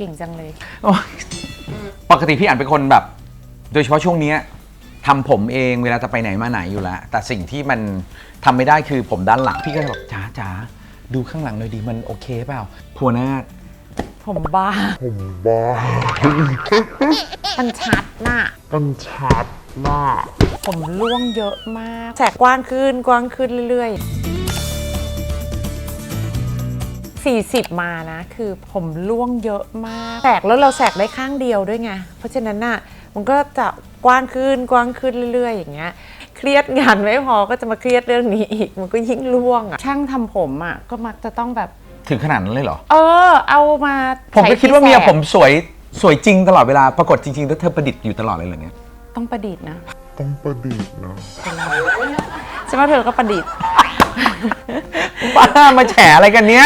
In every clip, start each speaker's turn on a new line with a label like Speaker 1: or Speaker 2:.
Speaker 1: ก่งจังเลย
Speaker 2: ปกติพี่อั๋นเป็นคนแบบโดยเฉพาะช่วงนี้ทำผมเองเวลาจะไปไหนมาไหนอยู่แล้วแต่สิ่งที่มันทำไม่ได้คือผมด้านหลังพี่ก็จะบอกจ๋าดูข้างหลังหน่อยดิมันโอเคเปล่าพัวหน้า
Speaker 1: ผมบ้ามันชัดน่ะผมร่วงเยอะมากแสกกว้างขึ้นเรื่อยๆ40มานะคือผมร่วงเยอะมากแสกแล้วเราแสกได้ข้างเดียวด้วยไงเพราะฉะนั้นน่ะมันก็จะกว้างขึ้นเรื่อยๆอย่างเงี้ยเครียดงานไม่พอก็จะมาเครียดเรื่องนี้อีกมันก็ยิ่งร่วงอ่ะช่างทำผมอ่ะก็มักจะต้องแบบ
Speaker 2: ถึงขนาดนั้นเลยเหรอ
Speaker 1: เอามา
Speaker 2: ผมก็คิดว่าเมียผมสวยจริงตลอดเวลาปรากฏจริงๆแล้วเธอประดิษฐ์อยู่ตลอดเลยเหรอเนี่ย
Speaker 1: ต้องประดิษฐ์นะใช่ไหมเธอก็ประดิษฐ์
Speaker 2: บ้ามาแฉอะไรกันเนี้ย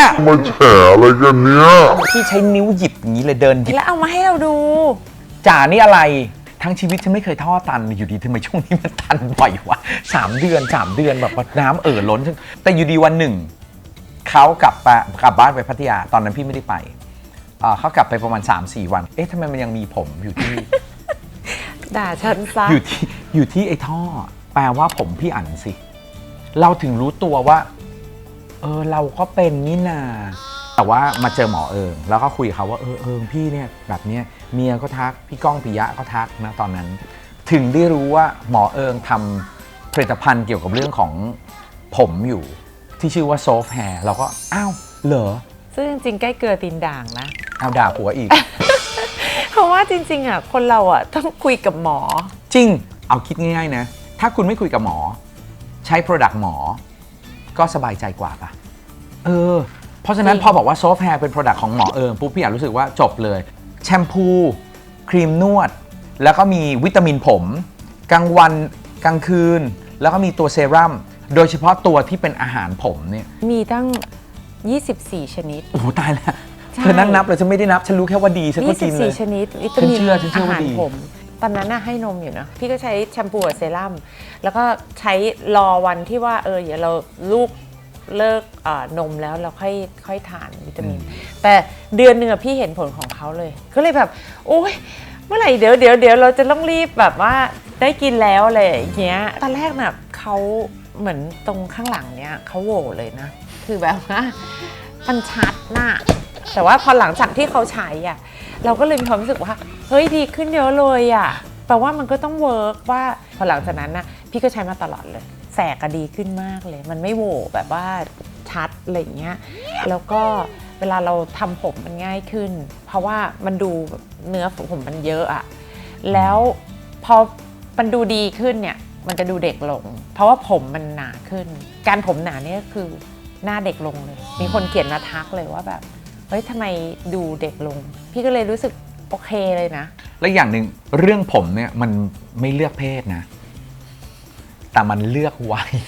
Speaker 2: พี่ใช้นิ้วหยิบอย่างนี้เลยเดินหยิบ
Speaker 1: แล้วเอามาให้เราดู
Speaker 2: จ๋านี่อะไรทั้งชีวิตฉันไม่เคยท่อตันอยู่ดีทำไมช่วงนี้มันตันบ่อยวะ3 เดือนแบบน้ำล้นแต่อยู่ดีวันหนึ่งเขากลับบ้านไปพัทยาตอนนั้นพี่ไม่ได้ไปเขากลับไปประมาณ 3-4 วันทำไมมันยังมีผมอยู่ที่
Speaker 1: ด่าฉันซะ
Speaker 2: อยู่ที่ไอ้ท่อแปลว่าผมพี่อั๋นสิเราถึงรู้ตัวว่าเราก็เป็นนี่นาแต่ว่ามาเจอหมอแล้วก็คุยกับเขาว่าพี่เนี่ยแบบเนี้ยเมียก็ทักพี่ก้องปิยะก็ทักนะตอนนั้นถึงได้รู้ว่าหมอทำผลิตภัณฑ์เกี่ยวกับเรื่องของผมอยู่ที่ชื่อว่าโซฟแฮร์เราก็อ้าวเหรอ
Speaker 1: ซึ่งจริงๆใกล้เกลือตีนด่างนะ
Speaker 2: เอาด่าผัวอีก
Speaker 1: เพราะว่าจริงๆอ่ะคนเราอ่ะต้องคุยกับหมอ
Speaker 2: จริงเอาคิดง่ายๆนะถ้าคุณไม่คุยกับหมอใช้ Product หมอก็สบายใจกว่าป่ะเพราะฉะนั้นพอบอกว่าโซฟแฮร์เป็น Product ของหมอปุ๊บพี่อยากรู้สึกว่าจบเลยแชมพูครีมนวดแล้วก็มีวิตามินผมกลางวันกลางคืนแล้วก็มีตัวเซรั่มโดยเฉพาะตัวที่เป็นอาหารผมเนี่ย
Speaker 1: มีตั้ง24ชนิด
Speaker 2: โอ้ตายแล้วเธอนั่งนับเลยฉันไม่ได้นับฉันรู้แค่ว่าดีฉันก็กินเลย
Speaker 1: 24ชนิดวิตามินอาหารผมตอนนั้นน่ะให้นมอยู่นะพี่ก็ใช้แชมพูกับเซรั่มแล้วก็ใช้รอวันที่ว่าเดี๋ยวเราลูกเลิกนมแล้วเราค่อยทานวิตามินแต่เดือนหนึ่งพี่เห็นผลของเขาเลยก็เลยแบบโอ๊ยเมื่อไหร่เดี๋ยวเราจะต้องรีบแบบว่าได้กินแล้วอะไรอย่างเงี้ยตอนแรกน่ะเขาเหมือนตรงข้างหลังเนี้ยเขาโหว่เลยนะคือแบบว่ามันชัดน่ะแต่ว่าพอหลังจากที่เขาใช้อ่ะเราก็เลยมีความรู้สึกว่าเฮ้ยดีขึ้นเยอะเลยอ่ะแปลว่ามันก็ต้องเวิร์กว่าพอหลังจากนั้นนะพี่ก็ใช้มาตลอดเลยแสกก็ดีขึ้นมากเลยมันไม่โหว่แบบว่าชัดอะไรอย่างเงี้ยแล้วก็เวลาเราทำผมมันง่ายขึ้นเพราะว่ามันดูเนื้อผมมันเยอะอ่ะแล้วพอมันดูดีขึ้นเนี่ยมันจะดูเด็กลงเพราะว่าผมมันหนาขึ้นการผมหนาเนี่ยก็คือหน้าเด็กลงเลยมีคนเขียนมาทักเลยว่าแบบเฮ้ยทำไมดูเด็กลงพี่ก็เลยรู้สึกโอเคเลยนะ
Speaker 2: และอย่างหนึ่งเรื่องผมเนี่ยมันไม่เลือกเพศนะแต่มันเลือกวัย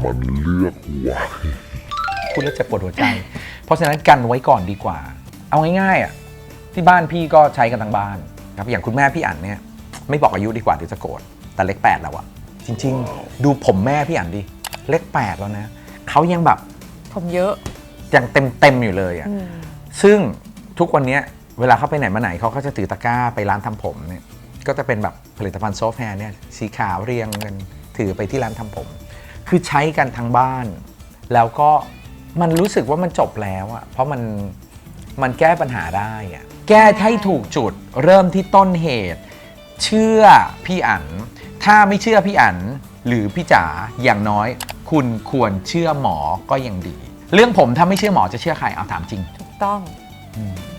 Speaker 2: พูดแล้วเจ็บปวดหัวใจเพราะฉะนั้นกันไว้ก่อนดีกว่าเอาง่ายๆที่บ้านพี่ก็ใช้กันทั้งบ้านครับอย่างคุณแม่พี่อั๋นเนี่ยไม่บอกอายุดีกว่าเดี๋ยวจะโกรธแต่เลข8แล้วอะจริงๆดูผมแม่พี่อั๋นดิเลข8แล้วนะเขายังแบบ
Speaker 1: ผมเยอะ
Speaker 2: ยังเต็มอยู่เลยอะซึ่งทุกวันนี้เวลาเขาไปไหนมาไหนเขาก็จะถือตะกร้าไปร้านทำผมเนี่ยก็จะเป็นแบบผลิตภัณฑ์โซฟแฮร์เนี่ยสีขาวเรียงกันถือไปที่ร้านทำผมคือใช้กันทั้งบ้านแล้วก็มันรู้สึกว่ามันจบแล้วอะเพราะมันแก้ปัญหาได้อะแก้ให้ถูกจุดเริ่มที่ต้นเหตุเชื่อพี่อั๋นถ้าไม่เชื่อพี่อั๋นหรือพี่จ๋าอย่างน้อยคุณควรเชื่อหมอก็ยังดีเรื่องผมถ้าไม่เชื่อหมอจะเชื่อใครเอาถามจริง
Speaker 1: ถูกต้อง